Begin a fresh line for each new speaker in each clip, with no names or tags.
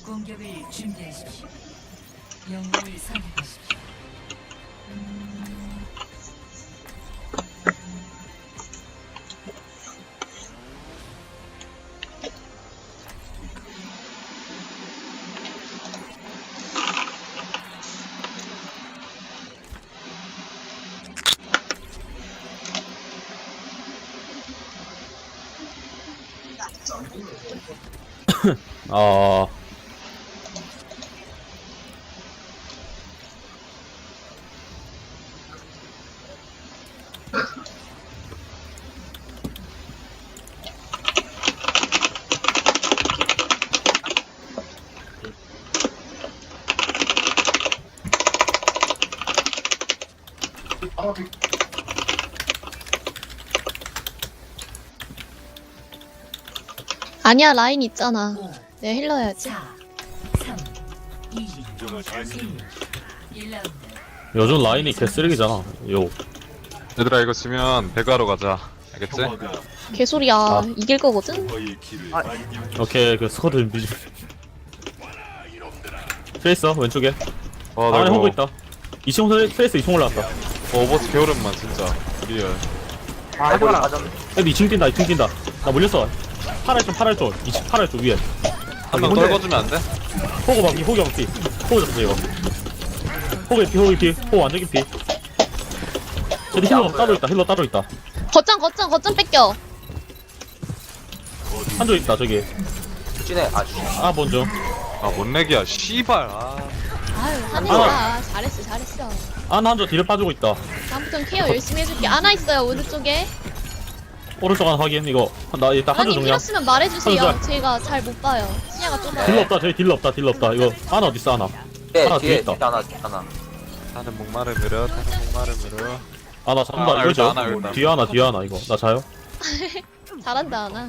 공격을 준비하십시오. 영웅을 선택하십시오.
아,
아니야, 라인 있잖아. 내가 힐러 해야지.
4, 3, 2, 1. 1라운드.
요즘 라인이 개쓰레기잖아. 요.
얘들아 이거 지면 배가로 가자. 알겠지?
개소리야.
아.
이길 거거든?
오케이, 그 스쿼드 준비 좀. 트레이서, 왼쪽에.
와, 나
안에 호구
이거
있다. 2층 트레이서 2층 올라왔다.
오버워치 개오랜만 진짜. 리얼.
근데 2층 뛴다, 2층 뛴다. 나 물렸어. 팔알 쪽. 2층 팔알 쪽 위에.
한 명
혼자-
떨궈주면 안 돼?
호구 방피, 호구 방피. 호구 잡자, 이거. 호구 피. 호구 완전 피. 저기 힐러 따로 있다.
거점 뺏겨.
한조 있다, 저기.
찐해
아, 먼저.
아, 뭔 렉이야. 씨발. 아.
아유, 하늘아. 잘했어.
한조 뒤를 빠지고 있다.
다음부턴 케어 열심히 해줄게. 아나 있어요, 오른쪽에.
오른쪽 하나 확인, 이거. 나 일단 한조
아니,
정리야.
필요했으면 말해주세요.
한조
제가 잘 못 봐요. 시야가 좁아요.
딜러 없다, 저기 딜러 없다. 이거. 하나 어딨어, 하나. 하나 뒤에
뒤에
있다.
하나
타는 목마를 밀어.
아, 나 잡는다,
아,
이거죠?
알다, 알다.
뒤에 하나, 이거. 나 자요?
잘한다, 아나.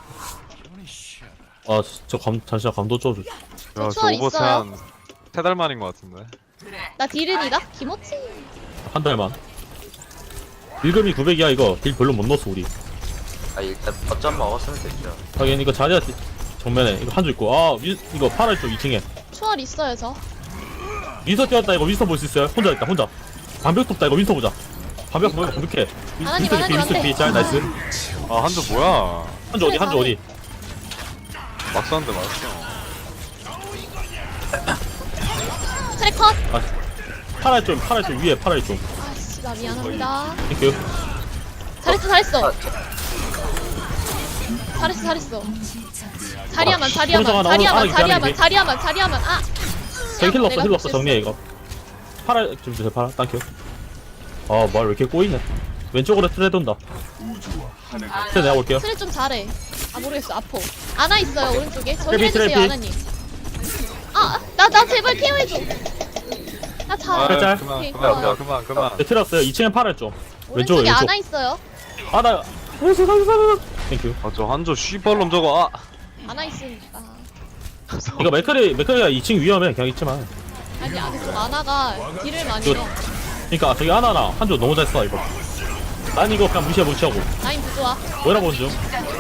아, 잠시만, 감도 좀.
야,
저
저
초월
오버워치
있어요?
한 3달 만인 것 같은데.
나 딜은이다? 김호치.
한 달만. 일금이 900이야, 이거. 딜 별로 못 넣었어, 우리.
아 일단 거점 먹었으면 됐죠.
하긴, 이거 자리야, 정면에. 이거 한조 있고. 아, 이거 파라 쪽 2층에.
초월 있어요, 저.
윈서 뛰었다, 이거 윈서 볼 수 있어요? 혼자 있다, 혼자. 반벽 돕다, 이거 윈서 보자. 반벽해.
하나님,
윈서 피, 잘, 나이스.
아, 한조 뭐야.
한조 어디?
막 쐈는데 맞았어.
트래컷.
아, 파라 쪽, 위에, 파라 쪽.
아씨, 나 미안합니다.
땡큐.
잘했어. 자리야만. 아!
저기 힐러
내가
없어, 정리해, 이거. 파라, 좀 주세요, 파라. 땡큐. 아, 말 왜 이렇게 꼬이네. 왼쪽으로 트레 돈다. 트레 내가 볼게요.
트레 좀 잘해. 아, 모르겠어. 아파. 아나 있어요, 오른쪽에. 저
트래피,
힐해주세요,
트래피.
아나님. 나 제발 케어해줘. 나
아,
잘.
짤.
오케이,
그만.
고마워.
그만.
네, 트레 왔어요. 2층에 파라 쪽. 왼쪽,
오른쪽에
왼쪽.
아나 있어요.
아, 나. 살려줘. 땡큐.
아, 저 한조 씨발놈 저거. 아.
아나 있으니까.
이거 맥커리가 2층 위험해. 그냥 있지만.
아니, 그 아나가 딜을 많이
이거-
넣어.
그니까, 저기 하나나, 한조 너무 잘 써, 이거. 난 이거 그냥 무시하고.
라인 부조화.
뭐라 보는 중.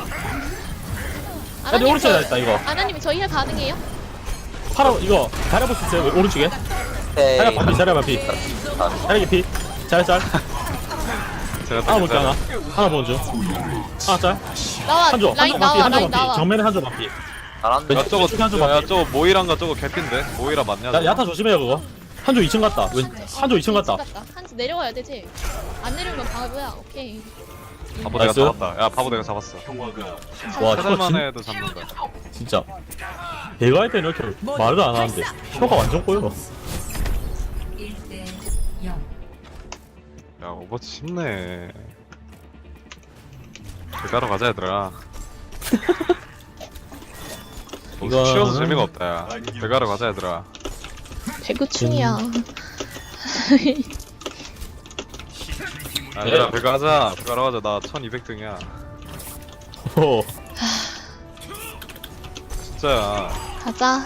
아나님,
오른쪽에 다 있다, 이거.
아나님, 저희 힐 가능해요?
파라, 이거. 잘해볼 수 있어요, 오른쪽에.
에이
자리 반피. 자리 피. 잘.
제가
하나 볼게, 하나. 하나 보는 중. 하나 짤.
나와.
한조
라인
반피.
나와. 라인 나와.
정면에 한조 반피.
잘한다.
야, 저거,
왼쪽에 한조
야,
반피.
저거 모이란가 저거 개핀데? 모이라 맞냐? 저거?
야타 조심해요, 그거. 한조 2층 갔다. 한조 2층 갔다.
한지 내려와야 돼, 쟤. 안 내려오면 바보야. 오케이.
바보 내가
나이스.
잡았다. 야, 바보 내가 잡았어.
와,
3달
저거
만에 해도 잡는다.
진짜. 배가 할 때는 이렇게 말을 안 하는데. 혀가 완전 꼬여.
1대 0.
야, 오버워치 쉽네. 배가러 가자, 얘들아.
이거는-
쉬어서 재미가 없다, 야. 배가러 가자, 얘들아.
배구충이야.
야, 얘들아, 배가러 가자. 나 1200등이야.
호.
진짜야.
가자.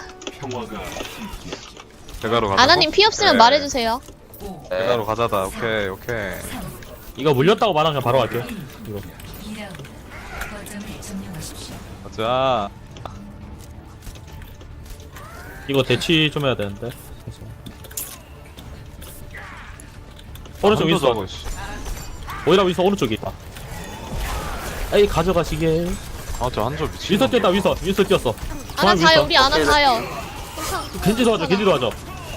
배가러 가자.
아나님 피 없으면
그래.
말해주세요.
배가러 가자다. 오케이.
이거 물렸다고 말하면 그냥 바로 갈게. 이거.
2라운드. 거점을 점령하십시오.
가자.
이거 대치 좀 해야 되는데. 그래서. 오른쪽
한도
윈스턴.
저거, 씨.
오히려 윈스턴 오른쪽에 있다. 에이 가져가시게.
아, 저 한조 미친.
윈스턴 뛰었다 윈스턴 뛰었어.
아나
중앙
자요
윈스턴.
우리 아나 자요.
겐지 도와줘 겐지 도와줘.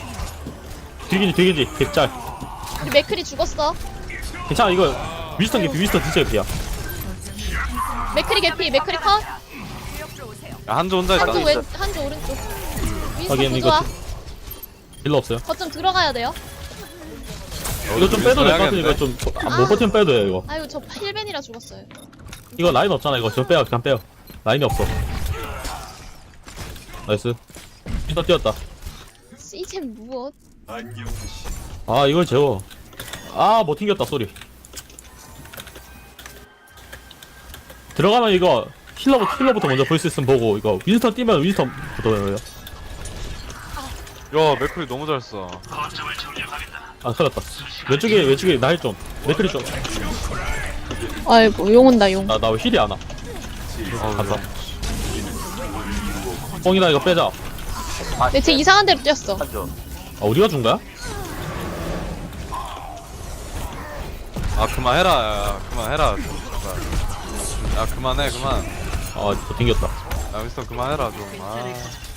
뒤겐지 개짤.
우리 맥클이 죽었어.
괜찮아 이거 윈스턴 개피 윈스턴 진짜 개피야.
맥클이 개피 맥클이 컷.
야, 한조 혼자 있다.
한조
있어.
왼 한조 오른쪽. 윈스턴
하긴 이거
부조화.
딜러 없어요.
거점 들어가야 돼요.
이거 좀 빼도 될 것 같은데 이거 좀 못 버티면 빼도 돼 이거.
아유 저 힐벤이라 죽었어요.
이거 라인 없잖아 이거 저 빼요 그냥 빼요. 라인이 없어. 나이스. 윈스턴 뛰었다.
시젠 무엇?
아 이걸 재워. 아 못 튕겼다 소리. 들어가면 이거 힐러부터 먼저 볼 수 있으면 보고 이거 윈스턴 뛰면 윈스턴부터 해요.
야, 맥클이 너무 잘 써.
아 큰일났다. 왼쪽에 날 좀. 맥크리 좀.
아이고 용 온다 용.
나 왜 힐이 안 와.
아,
간다. 뽕이다 이거 빼자.
네, 쟤 이상한 데로 뛰었어.
한조.
아 우리가 준 거야?
아, 그만해라. 야, 그만해라. 야, 그만해, 그만.
아못 튕겼다.
야, 윈스턴 그만해라, 좀. 아.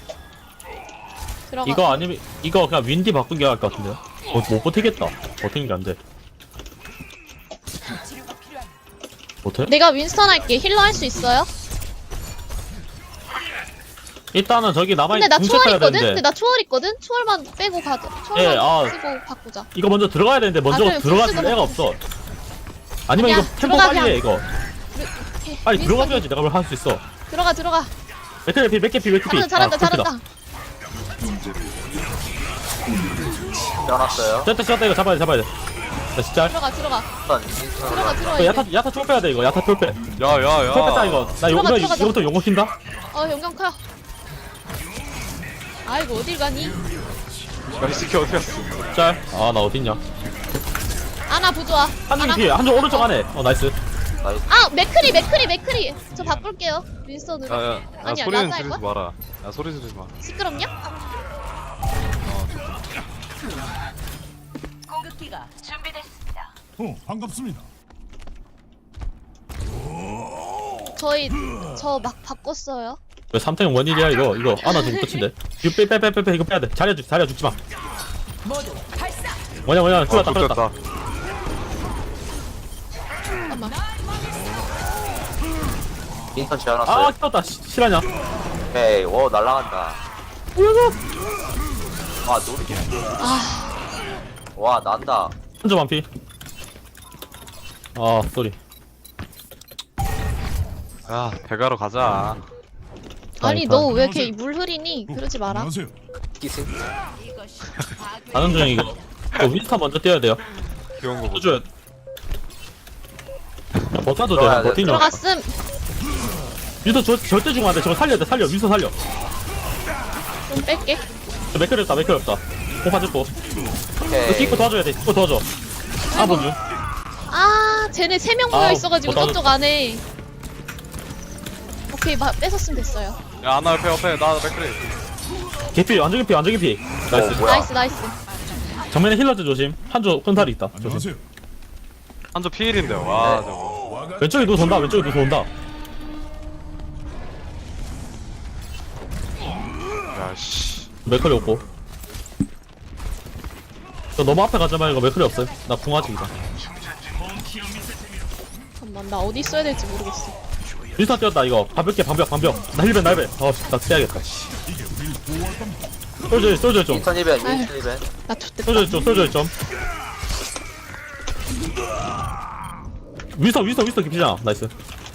들어가.
이거 아니면 이거 그냥 윈디 바꾼 게 나을 것 같은데요? 못 버티겠다. 버티는 게 안 돼. 못해?
내가 윈스턴 할게. 힐러 할 수 있어요?
일단은 저기 남아
근데 나 초월
뭉쳐야
있거든?
되는데
근데 나 초월 있거든? 초월만 빼고 가자. 초월만
예, 아.
쓰고 바꾸자.
이거 먼저 들어가야 되는데 먼저
그럼
들어갈
복수가
애가 없어. 아니면
그냥
이거 템포
들어가,
빨리 해 이거.
오케이.
빨리
윈스턴
들어가줘야지 내가 뭘 할 수 있어.
들어가.
맥캐피
잘한다.
떼어놨어요.
됐다 이거 잡아야 돼. 나 진짜
들어가.
이거 야타 총 빼야 돼 이거 야타 총 빼.
야, 야, 야.
총 뺐다 이거. 나
들어가.
이거부터 용어 킨다.
영경 커요. 아이고 어딜 가니?
야, 이 새끼 어디 갔어?
짤. 아 나 어딨냐?
아나 부조화.
한쪽 뒤에 한쪽 오른쪽 안에. 나이스.
아 맥크리. 저 바꿀게요. 윈스턴으로.
야, 야, 야,
아니야,
소리는
나도 할
지르지 마라. 야, 소리 지르지 마.
시끄럽냐?
공격기가 준비됐습니다.
반갑습니다.
저희 저 막 바꿨어요.
왜 3탱 원일이야 이거 아나 지금 끝인데. 이거 빼 이거 빼야 돼. 자리야 죽지 마. 뭐냐 끌었다.
좋겠다.
잠깐만.
윈스턴
아
지어놨어요.
끌었다. 실화냐?
오케이. 오 날라간다. 와 노리. 와 난다.
한점 완피. 아 쏘리.
야, 배가러 가자.
아니 너 왜 이렇게 물 흐리니? 그러지 마라.
안녕하세요.
기승.
가는 중 이거. 이거 윈스턴 먼저 뛰어야 돼요.
귀여운 거 보자.
해줘야 돼. 버텨도
들어가야
돼.
돼.
버티냐?
들어갔음.
윈스턴 절대 죽으면 안 돼. 저거 살려. 윈스턴 살려.
좀 뺄게.
맥클이 없다. 공 받았고. 이거
오케이.
킥고 도와줘야 돼. 킥고 도와줘. 아 뭔지.
아 쟤네 3명 모여
아우,
있어가지고
나도-
저쪽 안에. 오케이 뺏었으면 됐어요.
야, 아나 옆에, 나 맥클이.
개피 완전 개피. 나이스.
뭐야?
나이스.
정면에 힐러즈 조심. 한조 큰살이 있다. 조심.
안녕하세요.
한조 피일인데, 와,
네.
저거.
왼쪽에 누구 돈다.
야, 씨.
맥클이 없고. 저 너무 앞에 가지 말고 맥클이 없어요. 나 궁하지 이거.
잠깐만 나 어디 있어야 될지 모르겠어.
윈스턴 뛰었다 이거. 방벽. 나 힐벤. 나 빼야겠다. 솔저 좀.
윈스턴 이벤. 윈스턴 이벤.
나 좋댔다.
솔저 좀. 윈스턴 깊이잖아. 나이스.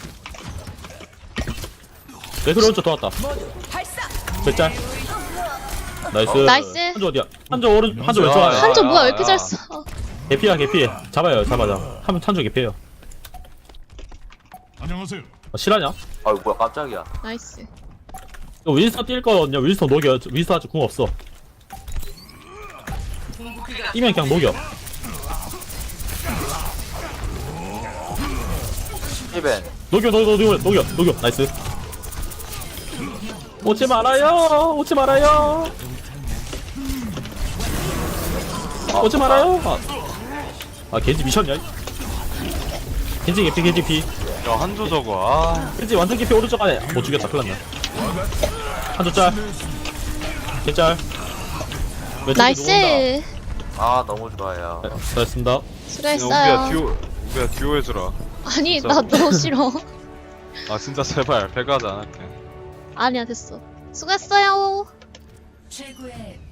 맥클이 오른쪽 도왔다. 백짤. 나이스. 한조 어디야? 한조 왼쪽 안에.
한조 뭐야 왜 이렇게 잘 써?
개피야. 잡아. 한조 개피해요.
안녕하세요.
실화냐?
아유 뭐야 깜짝이야.
나이스.
이거 윈스턴 뛸 거거든요. 윈스턴 녹여. 윈스턴 아직 궁 없어. 뛰면 그냥 녹여.
이벤.
녹여. 나이스. 오지 말아요. 오지 말아요. 아 겐지 미쳤냐? 겐지 개피 겐지 피.
야 한조 저거 아
겐지 완전 개피 오른쪽 안에 못 죽였다. 큰일났네. 한조 짤. 개짤.
나이스.
아 너무 좋아요.
잘했습니다.
우비야
수고했어요.
우비야 듀오 해주라.
아니
진짜.
나 너무 싫어.
아 진짜 제발 배가 하지 않을게.
아니야 됐어. 수고했어요.
최고의